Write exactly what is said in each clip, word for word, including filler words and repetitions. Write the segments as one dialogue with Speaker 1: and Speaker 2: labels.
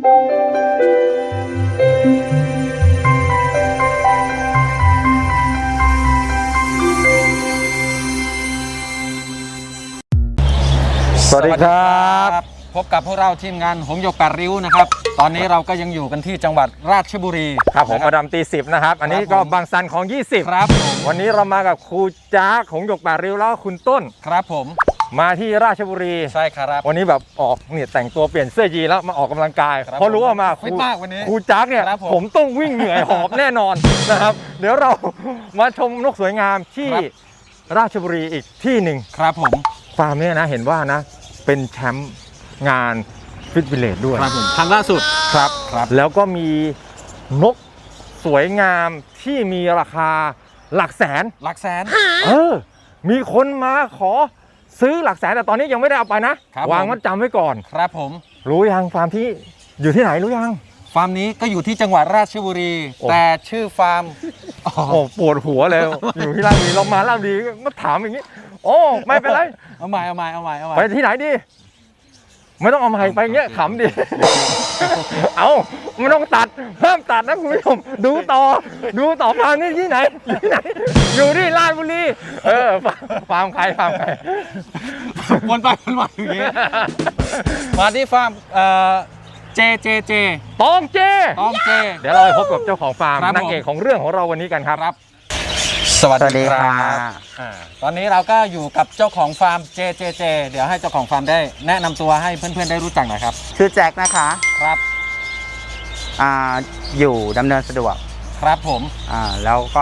Speaker 1: สวัสดีครับ
Speaker 2: พบกับพวกเราทีมงานหงส์หยกแปดริ้วนะครับตอนนี้เราก็ยังอยู่กันที่จังหวัดราชบุรี
Speaker 1: ครับผมมาดามตีสิบนะครับอันนี้ก็บางซันของยี่สิบ
Speaker 2: ครับ
Speaker 1: วันนี้เรามากับครูจ้าหงส์หยกแปดริ้วแล้วคุณต้น
Speaker 2: ครับผม
Speaker 1: มาที่ราชบุรี
Speaker 2: ใช่ครับ
Speaker 1: วันนี้แบบออกเนี่ยแต่งตัวเปลี่ยนเสื้อยีนแล้วมาออกกำลังกายเพราะรู้ว่ามาครูครูจ้าเนี่ยผมต้องวิ่งเหนื่อยหอบแน่นอนนะครับเดี๋ยวเรามาชมนกสวยงามที่ราชบุรีอีกที่หนึ่ง
Speaker 2: ครับผม
Speaker 1: ฟาร์มเนี่ยนะเห็นว่านะเป็นแชมป์งานฟิตวิลเลจด้วย
Speaker 2: ครับผมครั้งล่าสุด
Speaker 1: ครับครับแล้วก็มีนกสวยงามที่มีราคาหลักแสน
Speaker 2: หลักแสน
Speaker 1: เออมีคนมาขอซื้อหลักแสนแต่ตอนนี้ยังไม่ได้เอาไปนะวางมัดจำไว้ก่อน
Speaker 2: ครับผม
Speaker 1: รู้ยังฟาร์มที่อยู่ที่ไหนรู้ยัง
Speaker 2: ฟาร์มนี้ก็อยู่ที่จังหวัดราชบุรีแต่ชื่อฟาร์ม
Speaker 1: โอ้ปวดหัวเลยอยู่ที่ราชบุรีเรามาราชบุรีมาถามอย่างนี้โอ้ไม่เป็นไร
Speaker 2: เอาใหม่เอาใหม่เอาใหม่เอาใหม่
Speaker 1: ไปที่ไหนดีไม่ต้องเอามาให้ไปเงี้ยขำดิเอาไม่ต้องตัดห้ามตัดนะคุณผู้ชมดูต่อดูต่อฟาร์มนี่ที่ไหนอยู่ที่ไหนอยู่ที่ราชบุรีเออฟาร์มใครฟาร์มใคร
Speaker 2: วนไปวนมาอย่างงี้มาที่ฟาร์มเอ่อเจเจเจ
Speaker 1: ตองเจ
Speaker 2: ตองเจ
Speaker 1: เดี๋ยวเราไปพบกับเจ้าของฟาร์มนางเอกของเรื่องของเราวันนี้กันครับ
Speaker 2: สวัสดีครับตอนนี้เราก็อยู่กับเจ้าของฟาร์มเจเจเจเดี๋ยวให้เจ้าของฟาร์มได้แนะนำตัวให้เพื่อนๆได้รู้จักหน่อยครับ
Speaker 3: ชื่อแจ็คนะคะ
Speaker 2: ครับ
Speaker 3: อ่าอยู่ดำเนินสะดวก
Speaker 2: ครับผม
Speaker 3: อ่าแล้วก็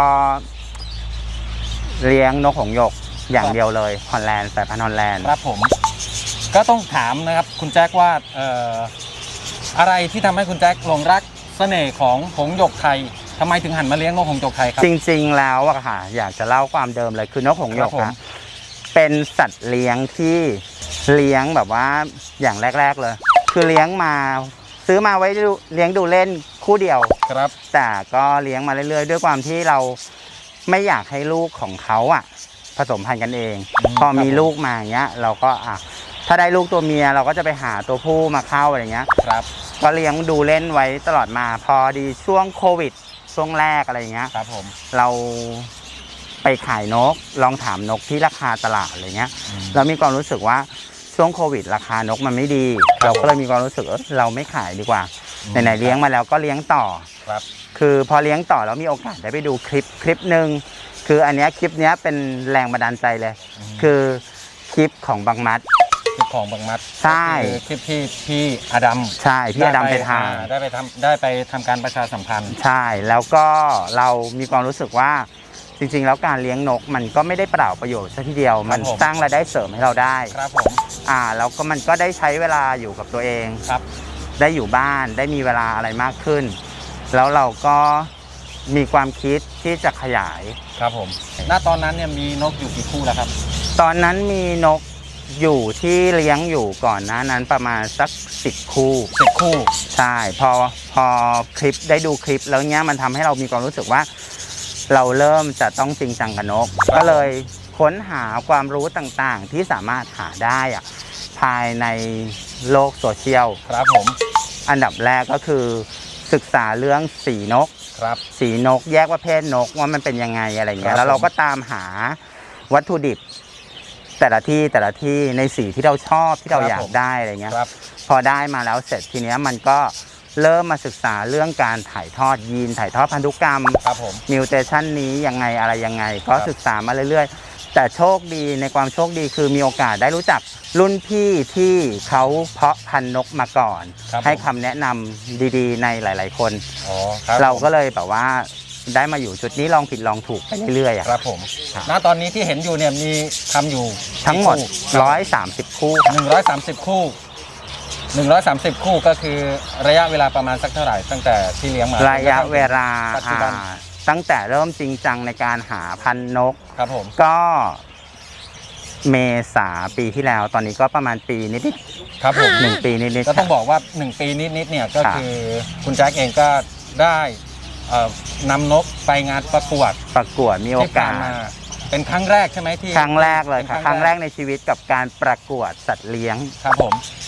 Speaker 3: เลี้ยงนกหงส์หยกอย่างเดียวเลยฮอลแลนด์สายพันธุ์ฮอลแลนด์
Speaker 2: ครับผมก็ต้องถามนะครับคุณแจ็คว่าเอ่ออะไรที่ทำให้คุณแจ็คหลงรักเสน่ห์ของหงส์หยกไทยทำไมถึงหันมาเลี้ยงนกหงส์หยกไทยครับ
Speaker 3: จริงๆแล้วอะค่ะอยากจะเล่าความเดิมเลยคือนกหงส์หยกอะเป็นสัตว์เลี้ยงที่เลี้ยงแบบว่าอย่างแรกๆเลยคือเลี้ยงมาซื้อมาไว้เลี้ยงดูเล่นคู่เดียว
Speaker 2: ครับ
Speaker 3: แต่ก็เลี้ยงมาเรื่อยๆด้วยความที่เราไม่อยากให้ลูกของเขาอะผสมพันธุ์กันเองพอมีลูกมาอย่างเงี้ยเราก็อ่ะถ้าได้ลูกตัวเมียเราก็จะไปหาตัวผู้มาเข้าอะไรเงี้ย
Speaker 2: ครับ
Speaker 3: ก็เลี้ยงดูเล่นไว้ตลอดมาพอดีช่วงโควิดช่วงแรกอะไรเงี้ย
Speaker 2: ครับผม
Speaker 3: เราไปขายนกลองถามนกที่ราคาตลาดอะไรเงี้ยเรามีความรู้สึกว่าช่วงโควิดราคานกมันไม่ดีเราก็เลยมีความรู้สึกเออเราไม่ขายดีกว่าไหนๆเลี้ยงมาแล้วก็เลี้ยงต่อ
Speaker 2: ครับ
Speaker 3: คือพอเลี้ยงต่อแล้วมีโอกาสได้ไปดูคลิปคลิปหนึ่งคืออันนี้คลิปนี้เป็นแรงบันดาลใจเลยคือคลิปของบังมัด
Speaker 2: คลิปของบังมัด
Speaker 3: ใช่
Speaker 2: คลิปที่พี่อดัม
Speaker 3: ใช่พี่อดัมไปทำ
Speaker 2: ได้ไปทำได้ไปทำการประชาสัมพันธ์
Speaker 3: ใช่แล้วก็เรามีความรู้สึกว่าจริงๆแล้วการเลี้ยงนกมันก็ไม่ได้เปล่าประโยชน์ซะทีเดียวมันสร้างรายได้เสริมให้เราได้
Speaker 2: ครับผม
Speaker 3: อ่าแล้วก็มันก็ได้ใช้เวลาอยู่กับตัวเอง
Speaker 2: ครับ
Speaker 3: ได้อยู่บ้านได้มีเวลาอะไรมากขึ้นแล้วเราก็มีความคิดที่จะขยาย
Speaker 2: ครับผมณตอนนั้นเนี่ยมีนกอยู่กี่คู่แล้วครับ
Speaker 3: ตอนนั้นมีนกอยู่ที่เลี้ยงอยู่ก่อนหน้านั้นประมาณสักสิบคู่
Speaker 2: สิบคู่
Speaker 3: ใช่พอพอคลิปได้ดูคลิปแล้วเนี้ยมันทำให้เรามีความรู้สึกว่าเราเริ่มจะต้องจริงจังกับนกก็เลยค้นหาความรู้ต่างๆที่สามารถหาได้อะภายในโลกโซเชียล
Speaker 2: ครับผม
Speaker 3: อันดับแรกก็คือศึกษาเรื่องสีนก
Speaker 2: ครับ
Speaker 3: สีนกแยกว่าเพศนกว่ามันเป็นยังไงอะไรเงี้ยแล้วเราก็ตามหาวัตถุดิบแต่ละที่แต่ละที่ในสีที่เราชอบที่เราอยากได้อะไรเงี้ยพอได้มาแล้วเสร็จทีเนี้ยมันก็เริ่มมาศึกษาเรื่องการถ่ายทอดยีนถ่ายทอดพันธุกรรมมิวเทชันนี้ยังไงอะไรยังไงก็ศึกษามาเรื่อยๆแต่โชคดีในความโชคดีคือมีโอกาสได้รู้จักรุ่นพี่ที่เขาเพาะพันธุ์นกมาก่อนให้คำแนะนำดีๆในหลายๆคนเราก็เลยแบบว่าได้มาอยู่จุดนี้ลองผิดลองถูกไปเรื่อยๆ
Speaker 2: ครับผมณตอนนี้ที่เห็นอยู่เนี่ยมีทำอยู่
Speaker 3: ทั้งหมดหนึ่งร้อยสามสิบคู่
Speaker 2: หนึ่งร้อยสามสิบคู่หนึ่งร้อยสามสิบคู่ก็คือระยะเวลาประมาณสักเท่าไหร่ตั้งแต่ที่เลี้ยงมา
Speaker 3: ระยะเวลาตั้งแต่เริ่มจริงจังในการหาพันธุ์นก
Speaker 2: ครับผม
Speaker 3: ก็เมษาปีที่แล้วตอนนี้ก็ประมาณปีนิด
Speaker 2: ๆครับผม
Speaker 3: หนึ่งปีนิดๆ
Speaker 2: ก็ต้องบอกว่าหนึ่งปีนิดๆเนี่ยก็คือคุณแจ็คเองก็ได้นำนกไปงานประกวด
Speaker 3: ประกวดมีโอกาส
Speaker 2: เป็นครั้งแรกใช่ไหมที่
Speaker 3: ครั้งแรกเลยค่ะครั้งแรกในชีวิตกับการประกวดสัตว์เลี้ยง
Speaker 2: ครับผม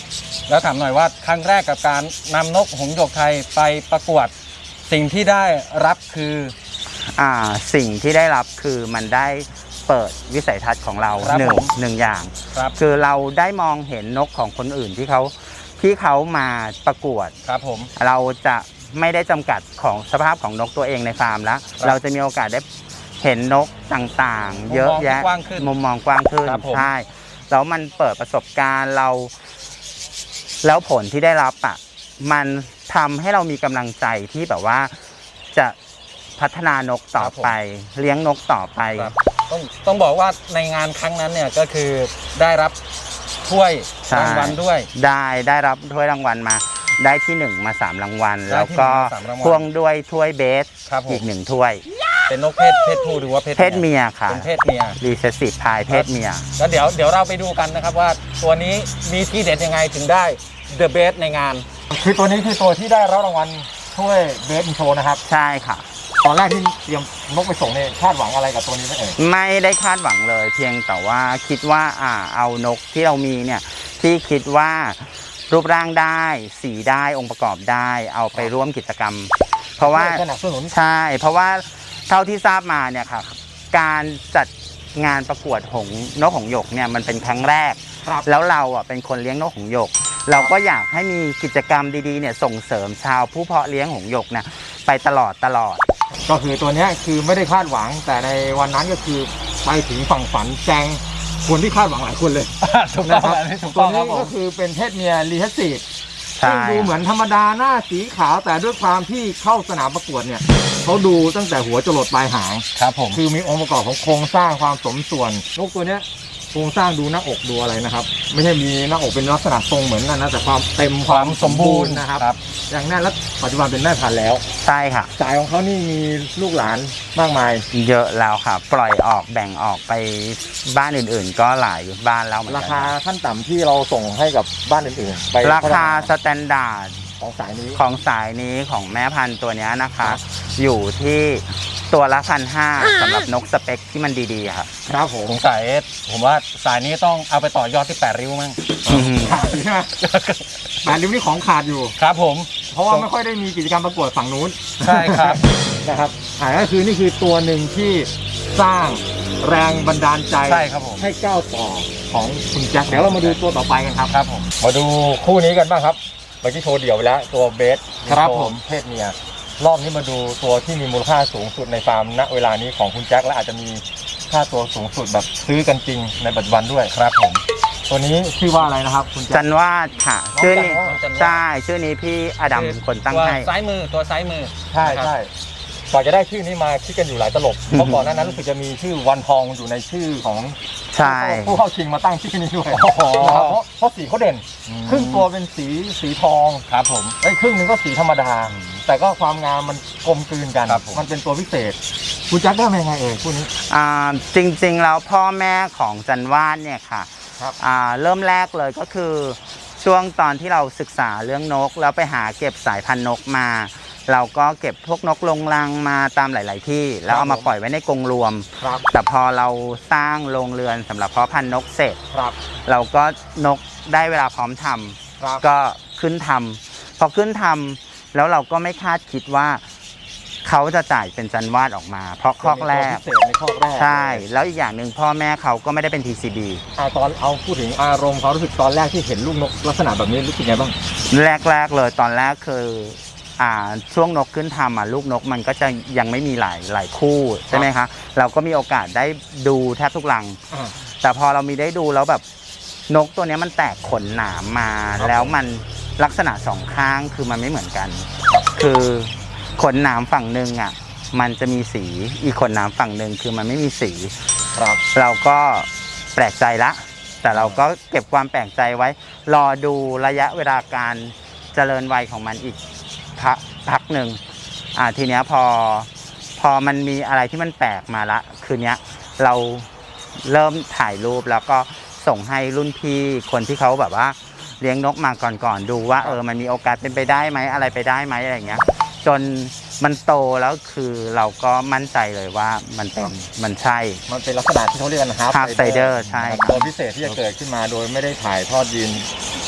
Speaker 2: แล้วถามหน่อยว่าครั้งแรกกับการนำนกหงส์หยกไทยไปประกวดสิ่งที่ได้รับคือ
Speaker 3: อ่าสิ่งที่ได้รับคือมันได้เปิดวิสัยทัศน์ของเรา
Speaker 2: ครับ
Speaker 3: หนึ่
Speaker 2: ผ
Speaker 3: ง
Speaker 2: ม
Speaker 3: หนึ่งอย่าง
Speaker 2: ครับ
Speaker 3: คือเราได้มองเห็นนกของคนอื่นที่เขาที่เขามาประกวด
Speaker 2: ครับผม
Speaker 3: เราจะไม่ได้จำกัดของสภาพของนกตัวเองในฟาร์มแล้ว
Speaker 2: ครับ
Speaker 3: เราจะมีโอกาสได้เห็นนกต่างๆ เยอะแยะ
Speaker 2: มุมมองที่กว้างขึ้น
Speaker 3: มุมมองกว้างขึ้น
Speaker 2: ครับผม
Speaker 3: ใช่แล้วมันเปิดประสบการณ์เรา แล้วผลที่ได้รับอ่ะมันทำให้เรามีกำลังใจที่แบบว่าจะพัฒนานกต่อไป เลี้ยงนกต่อไป
Speaker 2: ครับต้องต้องบอกว่าในงานครั้งนั้นเนี่ยก็คือได้รับถ้วย
Speaker 3: ใช่
Speaker 2: รางวัลด้วย
Speaker 3: ได้ได้รับถ้วยรางวัลมา ได้ที่หนึ่งมาสามรางวัล
Speaker 2: ได้
Speaker 3: แล้ว
Speaker 2: ที่
Speaker 3: ก็
Speaker 2: หนึ่งมาสามรางวัล
Speaker 3: พ่วงด้วยถ้วยเบส
Speaker 2: ครับผม
Speaker 3: อีกหนึ่งถ้วย
Speaker 2: เป็นนกเพศเพศผู้หรือว่าเพศ
Speaker 3: เพศเมียค่ะ
Speaker 2: เป็นเพศเมีย
Speaker 3: รีเซสซีฟพายเพศเมีย
Speaker 2: แล้วเดี๋ยวเดี๋ยวเราไปดูกันนะครับว่าตัวนี้มีที่เด็ดยังไงถึงได้ The Best ในงาน
Speaker 1: คือตัวนี้คือตัวที่ได้รับรางวัลถ้วยเบสอินโชนะครับ
Speaker 3: ใช่ค่ะ
Speaker 1: ตอนแรกที่เตรียมนกไปส่งเนี่ยคาดหวังอะไรกับตัวนี้ไหมเอ่ย
Speaker 3: ไม่ได้คาดหวังเลย เพียงแต่ว่าคิดว่าอ่าเอานกที่เรามีเนี่ยที่คิดว่ารูปร่างได้สีได้องค์ประกอบได้เอาไปร่วมกิจกรรม เพราะว่า
Speaker 1: สนับสนุน
Speaker 3: ใช่ เพราะว่าเท่าที่ทราบมาเนี่ยค่ะการจัดงานประกวดหงส์นกหงส์หยกเนี่ยมันเป็นครั้งแรก
Speaker 1: ครับ
Speaker 3: แล้วเราอ่ะเป็นคนเลี้ยงนกหงส์หยก เราก็อยากให้มีกิจกรรมดีๆเนี่ยส่งเสริมชาวผู้เพาะเลี้ยงหงส์หยกเนี่ยไปตลอดตลอด
Speaker 1: ก็คือตัวเนี้ยคือไม่ได้คาดหวัง แต่ในวันนั้นก็คือไปถึงฝั่งฝันแจงคนที่คาดหวังหลายคนเลย
Speaker 2: ถูกต้
Speaker 1: นะ
Speaker 2: อง
Speaker 1: ครับ
Speaker 2: อันนี้ถูก
Speaker 1: ตั
Speaker 2: ต้
Speaker 1: ว
Speaker 2: องค
Speaker 1: นี้
Speaker 2: รับผ
Speaker 1: ก็
Speaker 2: ม
Speaker 1: คือเป็นเพศเมียรีเทสซีฟ
Speaker 3: ใช่
Speaker 1: ซึ่งดูเหมือนธรรมดาหน้าสีขาวแต่ด้วยความที่เข้าสนามประกวดเนี่ยเขาดูตั้งแต่หัวจรดปลายหาง
Speaker 2: ครับผม
Speaker 1: คือมีองค์ประกอบของโครงสร้างความสมส่วนนกตัวเนี้ยโครงสร้างดูหน้าอกดูอะไรนะครับ ไม่ใช่มีหน้าอกเป็นลักษณะทรงเหมือนกันนะแต่ความเต็มความสมบูรณ์นะครับ
Speaker 2: ครับ
Speaker 1: อย่างแน่นแล้วปัจจุบันเป็นแม่พันธุ์แล้ว
Speaker 3: ใช่ค่ะ
Speaker 1: สายของเขานี่มีลูกหลานมากมาย
Speaker 3: เยอะแล้วค่ะ ปล่อยออกแบ่งออกไปบ้านอื่นๆ ก็หลายบ้านแล้วเหมือน
Speaker 1: รา
Speaker 3: กัน
Speaker 1: คาขั้นต่ำที่เราส่งให้กับบ้านอื่นๆไป
Speaker 3: ราคาส
Speaker 1: พัฒน
Speaker 3: แตนดาร์ด
Speaker 1: ของสายนี้
Speaker 3: ของสายนี้ของแม่พันธุ์ตัวเนี้ยนะคะ
Speaker 1: ครับ
Speaker 3: อยู่ที่ตัวละพันห้าสำหรับนกสเปคที่มันดีๆค่ะ
Speaker 1: ครับผม
Speaker 2: สงสัยผมว่าสายนี้ต้องเอาไปต่อยอดที่แปดริ้วมั้ง
Speaker 1: ขาดใช่ไหมแปดริ้วนี่ของขาดอยู่
Speaker 2: ครับผม
Speaker 1: เพราะว่าไม่ค่อยได้มีกิจกรรมประกวดฝั่งนู้น
Speaker 2: ใช่ครับ
Speaker 1: นะครับอ่าก็คือนี่คือตัวหนึ่งที่สร้างแรงบันดาลใจ
Speaker 2: ใช่ครับผม
Speaker 1: ให้ก้าวต่อของคุณแจ็คเดี๋ยวเรามาดูตัวต่อไปกันครับ
Speaker 2: ครับผม
Speaker 1: มาดูคู่นี้กันบ้างครับเมื่อกี้โชว์เดี่ยวไปแล้วตัวเบส
Speaker 2: ครับผม
Speaker 1: เพศเมียรอบนี้มาดูตัวที่มีมูลค่าสูงสุดในฟาร์มณเวลานี้ของคุณแจ็คและอาจจะมีค่าตัวสูงสุดแบบซื้อกันจริงในปัจจุบันด้วยครับผมตัวนี้ชื่อว่าอะไรนะครับคุณแจ็
Speaker 3: จั
Speaker 1: คน
Speaker 3: วาดค่ะ
Speaker 1: น้อง
Speaker 3: ชื่อนี้
Speaker 1: จันวาด
Speaker 3: ใช่ชื่อนี้พี่อดัมคนตั้ง
Speaker 2: ตัว
Speaker 3: ให้
Speaker 2: ซ้ายมือตัวซ้ายมือ
Speaker 1: ใช่
Speaker 2: นะครับ
Speaker 1: ใช่กว่าจะได้ชื่อนี้มาคิดกันอยู่หลายตลบเพราะก่อนหน้านั้นรู้สึกจะมีชื่อวันทองอยู่ในชื่อของ
Speaker 3: ใช่
Speaker 1: ผู้เข้าชิงมาตั้งชื่อนี้ด้วย
Speaker 2: โอ้โห
Speaker 1: นะครับเพราะเพราะสีเขาเด่น ครึ่งตัวเป็นสีสีทอง
Speaker 2: ครับผม
Speaker 1: ไอ้ยครึ่งหนึงก็สีธรรมดา แต่ก็ความงามมันกลมกลืนกัน
Speaker 2: ครับผม
Speaker 1: มันเป็นตัวพิเศษคุณแจ็คได้มายังไงเอ่ยคู่นี้
Speaker 3: อ่าจริงๆแล้วพ่อแม่ของจันวาดเนี่ยค่ะ
Speaker 1: ครับ
Speaker 3: อ่าเริ่มแรกเลยก็คือช่วงตอนที่เราศึกษาเรื่องนก แล้วไปหาเก็บสายพันธุ์นกมา เราก็เก็บพวกนกลงรังมาตามหลาย ๆ ที่ แล้วเอามาปล่อยไว้ในกรงรวม
Speaker 1: ครับ
Speaker 3: แต่พอเราสร้างโรงเรือนสำหรับเพาะพันธุ์นกเสร็จ
Speaker 1: ครับ
Speaker 3: เราก็นกได้เวลาพร้อมทำ
Speaker 1: ครับ
Speaker 3: ก็ขึ้นทำพอขึ้นทำแล้วเราก็ไม่คาดคิดว่าเขาจะจ่ายเป็นจันวาดออกมา เพราะคอกแรก
Speaker 1: ตัวพิเศษในข้อแรก
Speaker 3: ใช่ แล้วอีกอย่างหนึ่งพ่อแม่เขาก็ไม่ได้เป็น ที ซี บี
Speaker 1: อ่าตอนเอาพูดถึงอารมณ์เขารู้สึกตอนแรกที่เห็นลูกนกลักษณะแบบนี้รู้สึกไงบ้าง
Speaker 3: แรก ๆ เลยตอนแรกคืออ่าช่วงนกขึ้นทำอ่ะลูกนกมันก็จะยังไม่มีหลายหลายคู่ใช่ไหมคะเราก็มีโอกาสได้ดูแทบทุกรัง
Speaker 1: อ่า
Speaker 3: แต่พอเรามีได้ดูแล้วแบบนกตัวเนี้ยมันแตกขนหนามมา
Speaker 1: ครับ
Speaker 3: แล้วมันลักษณะสองข้างคือมันไม่เหมือนกัน คือขนหนามฝั่งหนึ่งอ่ะมันจะมีสีอีกขนหนามฝั่งหนึ่งคือมันไม่มีสี
Speaker 1: ครับ
Speaker 3: เราก็แปลกใจละ แต่เราก็เก็บความแปลกใจไว้ รอดูระยะเวลาการเจริญวัยของมันอีกพักพักหนึ่งอ่าทีเนี้ยพอพอมันมีอะไรที่มันแปลกมาละ คืนเนี้ยเราเริ่มถ่ายรูปแล้วก็ส่งให้รุ่นพี่คนที่เขาแบบว่าเลี้ยงนกมาก่อนๆดูว่าเออมันมีโอกาสเป็นไปได้ไหมอะไรไปได้ไหมอะไรอย่างเงี้ย จนมันโตแล้วคือเราก็มั่นใจเลยว่ามันเป็นมันใช่
Speaker 1: มันเป็นลักษณะที่เขาเรียกกันฮาร์
Speaker 3: Half Sider ใช่ครับ
Speaker 1: ตัวพิเศษที่จะเกิดขึ้นมาโดยไม่ได้ถ่ายทอดยีน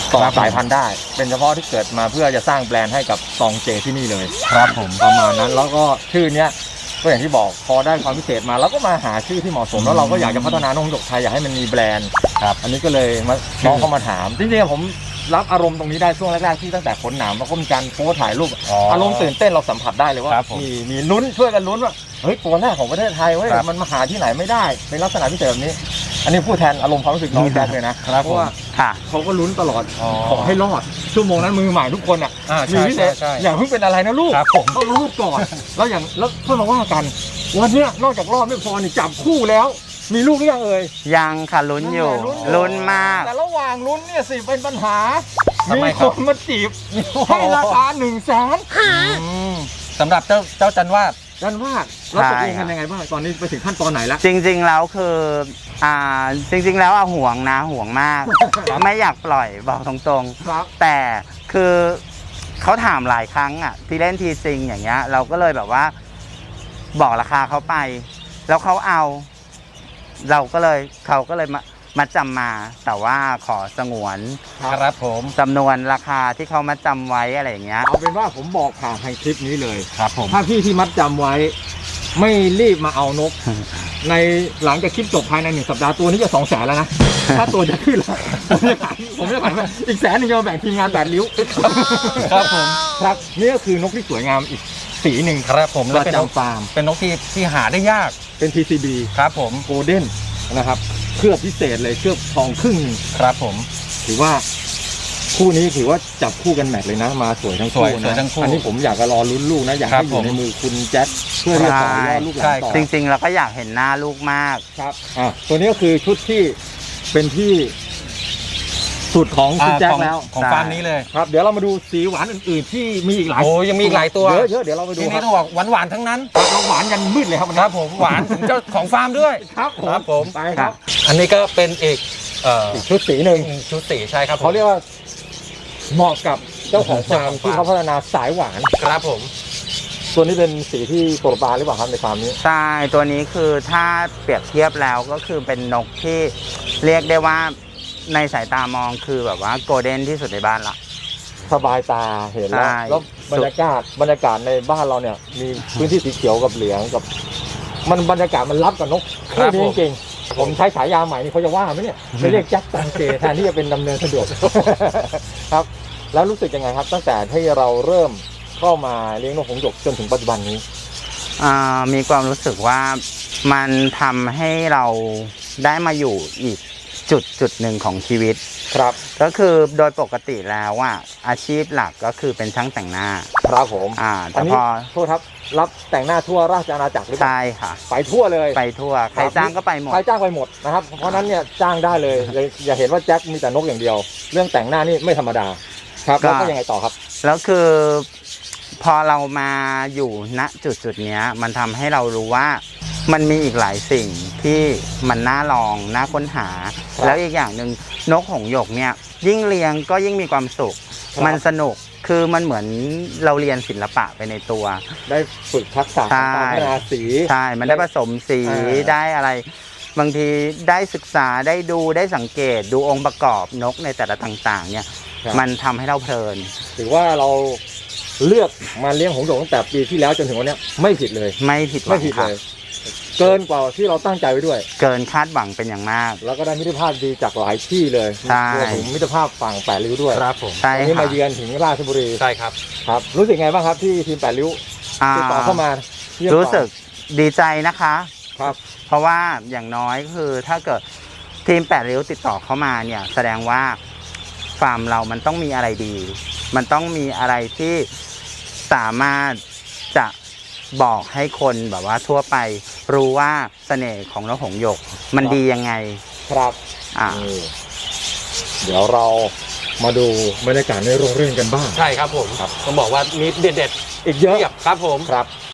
Speaker 1: ต่อ
Speaker 2: ครับ
Speaker 1: สายพันธุ์ได้ เป็นเฉพาะที่เกิดมาเพื่อจะสร้างแบรนด์ให้กับตองเจที่นี่เลย
Speaker 2: ครับผม
Speaker 1: ประมาณนั้นแล้วก็ชื่อเนี้ยก็อย่างที่บอกพอได้ความพิเศษมาเราก็มาหาชื่อที่เหมาะสมแล้วเราก็อยากจะพัฒนานกหงส์หยกไทยอยากให้มันมีแบรนด์
Speaker 2: ครับ
Speaker 1: อันนี้ก็เลยมาน้องเข้ามาถามจริงๆผมรับอารมณ์ตรงนี้ได้ช่วงแรกๆที่ตั้งแต่ขนหนามแล้วก็มีการโพสต์ถ่ายรูป
Speaker 2: อ๋ออ
Speaker 1: อารมณ์ตื่นเต้นเราสัมผัสได้เลยว่า
Speaker 2: ครับผม
Speaker 1: มีมีลุ้นช่วยกันลุ้นว่าเฮ้ยตัวแรกของประเทศไทยเว้ย
Speaker 2: ครับ
Speaker 1: มันมาหาที่ไหนไม่ได้เป็นลักษณะพิเศษแบบนี้ อันนี้พูดแทนอารมณ์ความรู้สึกน้องแจ็คเลยนะครับ เพราะว่า
Speaker 3: ค่ะ
Speaker 1: เขาก็ลุ้นตลอด
Speaker 2: อ๋อ
Speaker 1: ขอให้รอดชั่วโมงนั้นมือใหม่ทุกคนอ่ะ
Speaker 2: อ่า
Speaker 1: มี
Speaker 2: ใช่
Speaker 1: พิเศ
Speaker 2: ใช่
Speaker 1: ษ
Speaker 2: ใช่
Speaker 1: อย่าเพิ่งเป็นอะไรนะลูก
Speaker 2: ครับผม
Speaker 1: ต้องรูดก่อน แล้วอย่างแล้วเพื่อมาว่ากันวันเนี้ยนอกจากรอบไม่พอนี่จับคู่แล้ว มีลูกหรือยังเอ่ย
Speaker 3: ยังค่ะลุ้นอยู่
Speaker 1: ลุ้นอยู่
Speaker 3: ลุ้นมาก
Speaker 1: แต่ระหว่างลุ้นเนี่ยสิเป็นปัญหา
Speaker 2: ทำไม
Speaker 1: มี
Speaker 2: ค
Speaker 1: ครับ นมาจีบให้ราคาหนึ่งแสน
Speaker 2: อืมสำหรับเจ้าเจ้าจันวาด
Speaker 1: ดันว่าแล้วตกลง
Speaker 3: ใช่ครั
Speaker 1: กัน
Speaker 3: บ
Speaker 1: ยังไงบ้างตอนนี้ไปถึงขั้นตอนไหนแล้ว
Speaker 3: จริงๆแล้วคืออ่าจริง ๆ แล้วอะห่วงนะห่วงมาก ไม่อยากปล่อยบอกตรง
Speaker 1: ครับ
Speaker 3: ๆ แต่คือเขาถามหลายครั้งอ่ะที่เล่นทีซิงอย่างเงี้ย เราก็เลยแบบว่า บอกราคาเขาไป แล้วเขาเอา เราก็เลยเขาก็เลยมามาจำมา แต่ว่าขอสงวน
Speaker 2: ครับผม
Speaker 3: จำนวนราคาที่เขามาจำไว้อะไรอย่างเงี้ย
Speaker 1: เอาเป็นว่าผมบอกผ่านทางคลิปนี้เลย
Speaker 2: ครับผม
Speaker 1: ถ้าพี่ที่มัดจำไว้ ไม่รีบมาเอานก ในหลังจากคลิปจบภายในหนึ่งสัปดาห์ตัวนี้จะสองแสนแล้วนะ ถ้าตัวจะขึ้นแล้วผมจะขายผมจะขายอีกแสนหนึ่งจะมาแบ่งทีมงานแปดริ้ว
Speaker 2: ครับผม
Speaker 1: ครับนี่ก็คือนกที่สวยงามอีกสีหนึ่ง
Speaker 2: ครับผม
Speaker 1: ป
Speaker 2: แล้ว
Speaker 1: ระ
Speaker 2: เป็นนก
Speaker 1: จำฟาร์ม
Speaker 2: เป็นนกที่ที่หาได้ยาก
Speaker 1: เป็น ที ซี บี
Speaker 2: ครับผม
Speaker 1: โกลเด้นนะครับเคลือบพิเศษเลยเคลือบทองครึ่งหนึ่ง
Speaker 2: ครับผม
Speaker 1: ถือว่าคู่นี้ถือว่าจับคู่กันแมทเลยนะ มาสวยทั้งคู่
Speaker 2: สวยสวย
Speaker 1: นะ
Speaker 2: ทั้งคู่
Speaker 1: อันนี้ผมอยากจะรอลุ้นลูกนะ อยาก
Speaker 2: ครั
Speaker 1: ให้
Speaker 2: บ
Speaker 1: อยู่ใน
Speaker 2: ผม
Speaker 1: มือคุณแจ็คเพื่อที่จะต่อยอดลูกหลานต่อ
Speaker 3: จริงๆเราก็อยากเห็นหน้าลูกมาก
Speaker 1: ครับอ่ะตัวนี้ก็คือชุดที่เป็นที่สุดของคุณ
Speaker 2: อ่า
Speaker 1: แจ็ค
Speaker 2: ของ
Speaker 1: แล้ว
Speaker 2: ของ
Speaker 3: ใช่
Speaker 2: ฟาร์มนี้เลย
Speaker 1: ครับ เดี๋ยวเรามาดูสีหวานอื่นๆ ที่มีอีกหลาย
Speaker 2: โอ้ยังมีอีกหลายตัว
Speaker 1: เยอะเยอะเดี๋ยวเราไปดู
Speaker 2: ที
Speaker 1: ค
Speaker 2: นี้
Speaker 1: รับ
Speaker 2: ต้องบอกหวานหวานๆทั้งนั้น
Speaker 1: เราหวานยันมืดเลยครับวัน
Speaker 2: ค
Speaker 1: นี้
Speaker 2: รับผมหวานถึงเจ้าของฟาร์มด้วย
Speaker 1: ครับผม
Speaker 2: ครับผม
Speaker 1: ไปครับ
Speaker 2: อันนี้ก็เป็นอีกเอ่อ
Speaker 1: อีกชุดสีหนึ่ง
Speaker 2: ชุดสีใช่ครับผม
Speaker 1: เขาเรียกว่าเหมาะกับเจ้าของฟาร์ม
Speaker 2: เจ้าของฟาร์ม
Speaker 1: ที่เขาพัฒนาสายหวาน
Speaker 2: ครับผม
Speaker 1: ตัวนี้เป็นสีที่โปรดปรานหรือเปล่าครับในฟาร์มนี้
Speaker 3: ใช่ตัวนี้คือถ้าเปรียบเทียบแล้วก็คือเป็นนกที่เรียกได้ว่าในสายตามองคือแบบว่าโกลเด้นที่สุดในบ้านละ
Speaker 1: สบายตาเห็นแล้ว
Speaker 3: ใช่
Speaker 1: แล้วบรรยากาศบรรยากาศในบ้านเราเนี่ย มีพื้นที่สีเขียวกับเหลืองกับ มันบรรยากาศมันรับกับนก
Speaker 2: ครับ
Speaker 1: คู่นี้
Speaker 2: ผม
Speaker 1: จริงๆผมใช้ฉายาใหม่นี่เขาจะว่าไหมเนี่ยจะเรียกแจ็คตังเจแทนที่จะเป็นดำเนินสะดวก ครับ แล้วรู้สึกยังไงครับ ตั้งแต่ที่เราเริ่มเข้ามาเลี้ยงนกหงส์หยกจนถึงปัจจุบันนี้
Speaker 3: อ่ามีความรู้สึกว่ามันทำให้เราได้มาอยู่อีกจุดจุดหนึ่งของชีวิต
Speaker 1: ครับ
Speaker 3: ก็คือโดยปกติแล้วว่าอาชีพหลักก็คือเป็นช่างแต่งหน้า
Speaker 1: ครับผม
Speaker 3: อ่า
Speaker 1: อั
Speaker 3: แต่
Speaker 1: นนี้
Speaker 3: พอ
Speaker 1: โทษครับรับแต่งหน้าทั่วราชอาณาจักรหรือเปล่า
Speaker 3: ใช่ค่ะ
Speaker 1: ไปทั่วเลย
Speaker 3: ไปทั่วใครจ้างก็ไปหมด
Speaker 1: ใครจ้างไปหมดนะครับ เพราะฉะนั้นเนี่ยจ้างได้เลยอย่าอย่าเห็นว่าแจ็คมีแต่นกอย่างเดียว เรื่องแต่งหน้านี่ไม่ธรรมดา ครับ
Speaker 3: ก็
Speaker 1: แล้วก็ยังไงต่อครับ
Speaker 3: แล้วคือพอเรามาอยู่ณจุดจุดๆเนี้ย มันทำให้เรารู้ว่ามันมีอีกหลายสิ่งที่มันน่าลองน่าค้นหา
Speaker 1: ครับ
Speaker 3: แล้วอีกอย่างหนึ่งนกหงส์หยกเนี่ยยิ่งเลี้ยงก็ยิ่งมีความสุข
Speaker 1: ครับ
Speaker 3: มันสนุกคือมันเหมือนเราเรียนศิลปะไปในตัว
Speaker 1: ได้ฝึกทักษะ
Speaker 3: ใช่
Speaker 1: การพัฒนาสี
Speaker 3: ใช่ มันได้ผสมสี
Speaker 1: อ่า
Speaker 3: ได้อะไร บางทีได้ศึกษาได้ดูได้สังเกตดูองค์ประกอบนกในแต่ละต่างๆ เนี่ย
Speaker 1: ครับ
Speaker 3: มันทำให้เราเพลิน
Speaker 1: ถือว่าเราเลือกมาเลี้ยงหงส์หยกตั้งแต่ปีที่แล้วจนถึงวันเนี้ยไม่ผิดเลย
Speaker 3: ไม่ผิดหวั
Speaker 1: ไม่
Speaker 3: ง
Speaker 1: ผิด
Speaker 3: ครั
Speaker 1: เล
Speaker 3: บ
Speaker 1: ย เกินกว่าที่เราตั้งใจไว้ด้วย
Speaker 3: เกินคาดหวังเป็นอย่างมาก
Speaker 1: แล้วก็ได้มิตรภาพดีจากหลายที่เลย
Speaker 3: ใช่
Speaker 1: รวมถึงมิตรภาพฝั่งแปดริ้วด้วย
Speaker 2: ครับผม
Speaker 3: ใช่
Speaker 1: วันนี้
Speaker 3: ค่ะ
Speaker 1: มาเยือนถึงราชบุรี
Speaker 2: ใช่ครับ
Speaker 1: ครับ รู้สึกไงบ้างครับที่ทีมแปดริ้ว
Speaker 3: อ่า
Speaker 1: ติดต่อเข้ามาเยี่ยม
Speaker 3: รู้สึกดีใจนะคะ
Speaker 1: ครับ
Speaker 3: เพราะว่าอย่างน้อยคือถ้าเกิดทีมแปดริ้วติดต่อเข้ามาเนี่ยแสดงว่าฟาร์มเรามันต้องมีอะไรดี มันต้องมีอะไรที่สามารถจะบอกให้คนแบบว่าทั่วไป รู้ว่าเสน่ห์ของนกหงส์หยก มันดียังไง
Speaker 1: ครับ
Speaker 3: อ่า
Speaker 1: นี่เดี๋ยวเรามาดูบรรยากาศในโรงเรียนกันบ้าง
Speaker 2: ใช่ครับผม
Speaker 1: ครับ
Speaker 2: ต้องบอกว่ามีเด็ด
Speaker 1: อีกเย
Speaker 2: ๆ
Speaker 1: อะ
Speaker 2: เทียบครับผม
Speaker 1: ครับ